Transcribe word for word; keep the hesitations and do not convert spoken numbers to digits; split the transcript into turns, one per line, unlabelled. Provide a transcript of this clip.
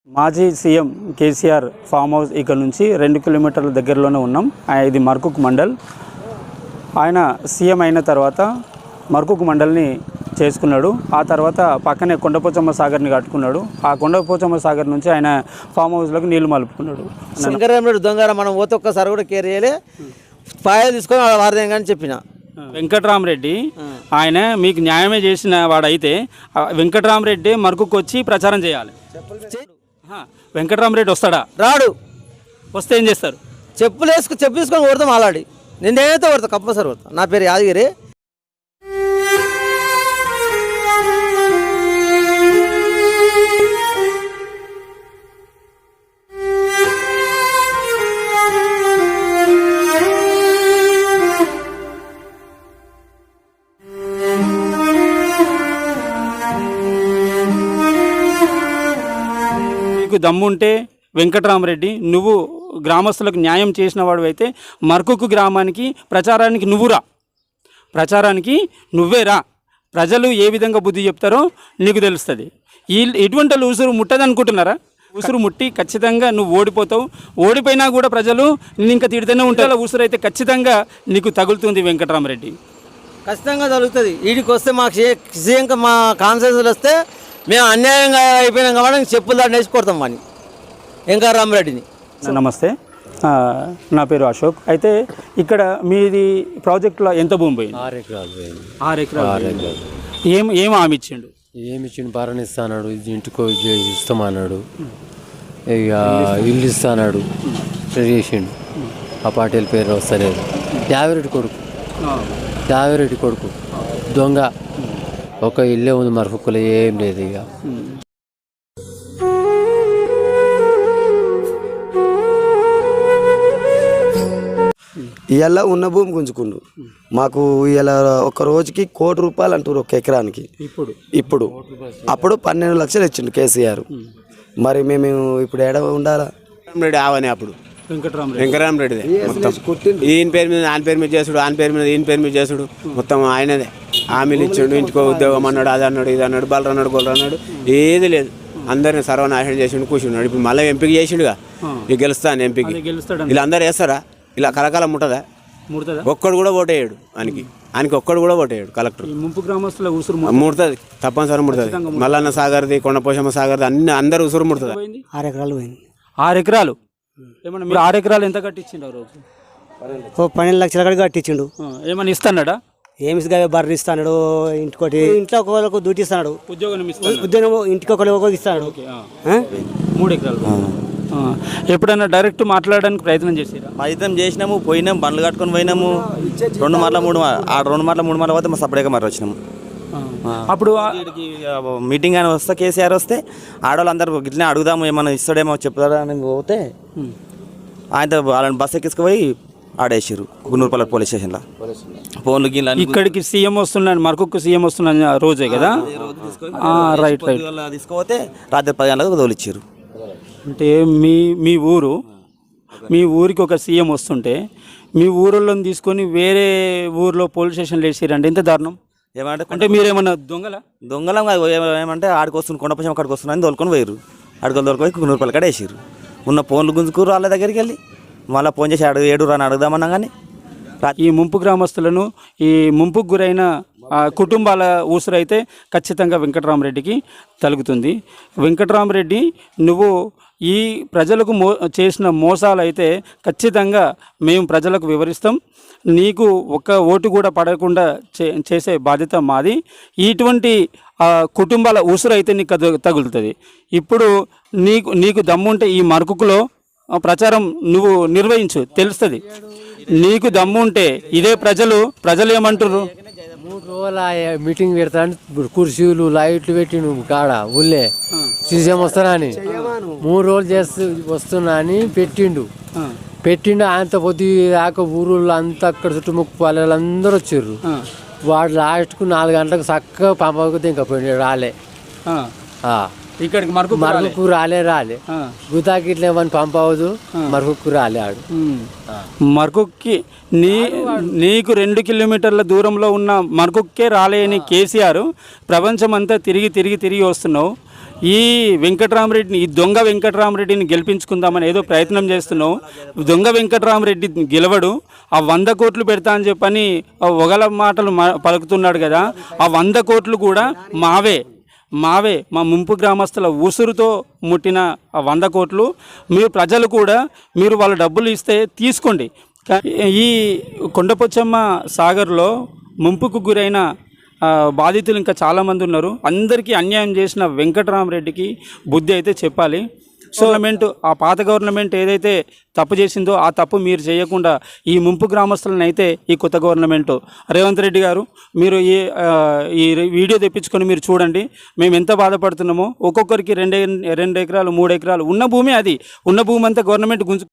మాజీ CM KCR farm house ఇక్కడ నుంచి రెండు కిలోమీటర్ల దగ్గరలోనే ఉన్నాం. ఇది మర్కుక్ మండల్. ఆయన సీఎం అయిన తర్వాత మర్కుక్ మండల్ని చేసుకున్నాడు. ఆ తర్వాత పక్కనే కొండపోచమ్మ సాగర్ని కట్టుకున్నాడు. ఆ కొండపోచమ్మ సాగర్ నుంచి ఆయన ఫామ్ హౌస్లోకి నీళ్లు మలుపుకున్నాడు.
శంకరరామరెడ్డి దొంగ మనం పోతే ఒక్కసారి కూడా కేర్ చేయలే, పాయ తీసుకొని వారదేం కానీ చెప్పిన.
వెంకట్రామరెడ్డి ఆయన మీకు న్యాయమే చేసిన వాడైతే వెంకట్రామరెడ్డి మర్కుక్ వచ్చి ప్రచారం చేయాలి. వెంకట్రామరెడ్డి వస్తాడా?
రాడు.
వస్తే ఏం చేస్తారు?
చెప్పులు వేసుకు చెప్పు తీసుకొని కొడతాం. ఆలాడి నేనైతే కొడతా, కంపల్సరీ కొడతా. నా పేరు యాదగిరి.
నీకు దమ్ముంటే వెంకట్రామరెడ్డి నువ్వు గ్రామస్తులకు న్యాయం చేసిన వాడు అయితే మర్కుక్ గ్రామానికి ప్రచారానికి నువ్వు రా, ప్రచారానికి నువ్వే రా. ప్రజలు ఏ విధంగా బుద్ధి చెప్తారో నీకు తెలుస్తుంది. ఈ ఎటువంటి ఉసురు ముట్టదు అనుకుంటున్నారా? ఉసురు ముట్టి ఖచ్చితంగా నువ్వు ఓడిపోతావు. ఓడిపోయినా కూడా ప్రజలు నిన్ను ఇంకా తిడితేనే ఉంటారు. ఉసురు అయితే ఖచ్చితంగా నీకు తగులుతుంది వెంకట్రామరెడ్డి,
ఖచ్చితంగా తగులుతుంది. వీడికి వస్తే మాకు సీఎం మా కాన్సెన్స్లు వస్తే మేము అన్యాయంగా అయిపోయినాం కాబట్టి చెప్పులు దాన్ని వేసి కొడతాం వాడిని, వెంకట్రామరెడ్డిని.
నమస్తే, నా పేరు అశోక్. అయితే ఇక్కడ మీది ప్రాజెక్టులో ఎంత భూమి పోయింది?
ఆరు ఎకరాలు పోయింది.
ఆరు ఎకరాలు. ఏం ఏం హామీ ఇచ్చిండు?
ఏమి ఇచ్చిండు? భరణ ఇస్తాడు, ఇంటికో ఇస్తామన్నాడు, ఇక ఇల్లు ఇస్తాడు, చేసిండు. ఆ పార్టీల పేరు వస్తలేదు. యావిరెడ్డి కొడుకు, యావిరెడ్డి కొడుకు దొంగ. ఒక ఇల్లే ఉంది మరొకలో, ఏం లేదు. ఇక
ఇవాళ ఉన్న భూమి గుంజుకుండు. మాకు ఇవాళ ఒక రోజుకి కోటి రూపాయలు అంటారు ఒక ఎకరానికి. ఇప్పుడు ఇప్పుడు అప్పుడు పన్నెండు లక్షలు ఇచ్చిండు కేసీఆర్. మరి మేము ఇప్పుడు ఏడ ఉండాలా?
రెడ్డి ఆవని అప్పుడు వెంకటరామరెడ్డిదే మొత్తం. ఈయన పేరు మీద ఆయన పేరు మీద చేసుడు, ఆయన పేరు మీద ఈయన పేరు మీద చేసుడు, మొత్తం ఆయనదే. హామీలు ఇచ్చాడు, ఇంటికో ఉద్యోగం అన్నాడు, అది అన్నాడు, ఇది అన్నాడు, బలరు అన్నాడు, గొల్లరు అన్నాడు, ఏది లేదు. అందరిని సర్వనాశనం చేసిండు, కూర్చున్నాడు. ఇప్పుడు మళ్ళీ ఎంపిక చేసిండుగా, ఇక గెలుస్తాను ఎంపిక. ఇలా అందరు వేస్తారా? ఇలా కలకాలం ముట్టదా? ఒక్కడు కూడా ఓటేయడు ఆయనకి, ఆయనకి ఒక్కడు కూడా ఓటేయడు కలెక్టర్.
ముంపు గ్రామస్తుల ఉసురు
ముడుతుంది, తప్పనిసరి ముడుతుంది. మల్లన్న సాగర్ది, కొండపోషమ్మ సాగర్ది, అన్ని అందరు ఉసురు ముడుతుంది.
ఆరు ఎకరాలు పోయింది.
ఆరు ఎకరాలు ఏమన్నా మీరు ఆరు ఎకరాలు ఎంత కట్టించిండు ఆ రోజు?
ఓ పన్నెండు లక్షల కాడికి కట్టించిండు.
ఏమన్నా ఇస్తాడా?
ఏమి బర్రె ఇస్తాడు, ఇంటికోటి ఇంట్లో ఒకరికి డ్యూటీ ఇస్తాడు,
ఉద్యోగం
ఉద్యోగం ఇంటికి ఒకరికి ఇస్తాడు.
మూడు ఎకరాలు. ఎప్పుడైనా డైరెక్ట్ మాట్లాడడానికి ప్రయత్నం చేసారా?
ప్రయత్నం చేసినాము, పోయినాము, బండ్లు కట్టుకొని పోయినాము. రెండు మార్ల మూడు ఆ రెండు మార్ల మూడు మార్ల పోతే మా సపరేట్గా మరి వచ్చినాము.
అప్పుడు
మీటింగ్ అని వస్తే కేసీఆర్ వస్తే ఆడవాళ్ళు అందరూ ఇట్లనే అడుగుదాము, ఏమన్నా ఇస్తాడేమో చెప్తారా అని పోతే ఆయన వాళ్ళని బస్ ఎక్కించుకుపోయి ఆడేసారు గున్నూరుపల్లి పోలీస్ స్టేషన్లో. ఫోన్లు గిన్నె
ఇక్కడికి సీఎం వస్తున్నాను, మరొక సీఎం వస్తున్నా రోజే కదా. రైట్ రైట్
తీసుకుపోతే రాత్రి పది గంటలకు తోలిచ్చారు.
అంటే మీ మీ ఊరు మీ ఊరికి ఒక సీఎం వస్తుంటే మీ ఊరిలోని తీసుకొని వేరే ఊరిలో పోలీస్ స్టేషన్లో వేసారంటే ఎంత దారుణం.
ఏమంటే
అంటే మీరేమన్నా దొంగల
దొంగలం కాదు, ఏమంటే ఆడికి వస్తుంది, కొండపక్షం అక్కడికి వస్తున్నాయని తోలుకొని పోయారు. అడుగులు తోలుకొని గున్నూరుపల్లి కాడ వేసారు. ఉన్న ఫోన్లు గుంజుకురు వాళ్ళ దగ్గరికి వెళ్ళి. మళ్ళీ ఫోన్ చేసి అడుగు ఏడు రాని అడుగుదామన్నా కానీ
ఈ ముంపు గ్రామస్తులను, ఈ ముంపుకు గురైన కుటుంబాల ఊసురైతే ఖచ్చితంగా వెంకట్రామరెడ్డికి తలుగుతుంది. వెంకట్రామరెడ్డి నువ్వు ఈ ప్రజలకు మో చేసిన మోసాలు అయితే ఖచ్చితంగా మేము ప్రజలకు వివరిస్తాం. నీకు ఒక్క ఓటు కూడా పడకుండా చే చేసే బాధ్యత మాది. ఇటువంటి కుటుంబాల ఊసురు అయితే నీకు తగులుతుంది. ఇప్పుడు నీకు నీకు దమ్ముంటే ఈ మరకుకులో ప్రచారం నువ్వు నిర్వహించు, తెలుస్తుంది. నీకు దమ్ముంటే ఇదే ప్రజలు ప్రజలు ఏమంటారు?
మూడు రోజుల మీటింగ్ పెడతాను, కుర్చీలు లైట్లు పెట్టి నువ్వు కాడ ఊళ్ళే సీఎం వస్తున్నా అని మూడు రోజులు చేస్తూ వస్తున్నా అని పెట్టిండు పెట్టిండు ఆయనతో పొద్దు దాకా ఊరుళ్ళు అంతా అక్కడ చుట్టుముక్కు పల్లెలు అందరూ వచ్చారు. వాడు లాస్ట్కు నాలుగు గంటలకు చక్కగా పంపకపోతే ఇంకా పోయి రాలే.
ఇక్కడికి మరొక
మరొక రాలే రాలే గుతాకి ఇట్లా ఏమని పంపవద్దు. మరొక రాలే ఆడు
మరొక్కి నీ నీకు రెండు కిలోమీటర్ల దూరంలో ఉన్న మరొక్కే రాలేని కేసీఆర్ ప్రపంచం అంతా తిరిగి తిరిగి తిరిగి వస్తున్నావు. ఈ వెంకట్రామరెడ్డిని ఈ దొంగ వెంకట్రామరెడ్డిని గెలిపించుకుందామని ఏదో ప్రయత్నం చేస్తున్నావు. దొంగ వెంకట్రామరెడ్డి గెలవడు. ఆ వంద కోట్లు పెడతా అని చెప్పని ఆ ఒగల మాటలు మా పలుకుతున్నాడు కదా, ఆ వంద కోట్లు కూడా మావే మావే మా ముంపు గ్రామస్తుల ఉసురుతో ముట్టిన ఆ వంద కోట్లు. మీరు ప్రజలు కూడా మీరు వాళ్ళ డబ్బులు ఇస్తే తీసుకోండి. కా- ఈ కొండపోచమ్మ సాగర్లో ముంపుకు గురైన ఆ, బాధితులు ఇంకా చాలామంది ఉన్నారు. అందరికీ అన్యాయం చేసిన వెంకటరామరెడ్డికి బుద్ధి అయితే చెప్పాలి. సో గవర్నమెంట్ ఆ పాత గవర్నమెంట్ ఏదైతే తప్పు చేసిందో ఆ తప్పు మీరు చేయకుండా ఈ ముంపు గ్రామస్తులను అయితే ఈ కొత్త గవర్నమెంట్ రేవంత్ రెడ్డి గారు మీరు ఈ ఆ, ఈ వీడియో తెప్పించుకొని మీరు చూడండి మేము ఎంత బాధపడుతున్నామో. ఒక్కొక్కరికి రెండు రెండు ఎకరాలు మూడు ఎకరాలు ఉన్న భూమి, అది ఉన్న భూమి అంతా గవర్నమెంట్ గుంజు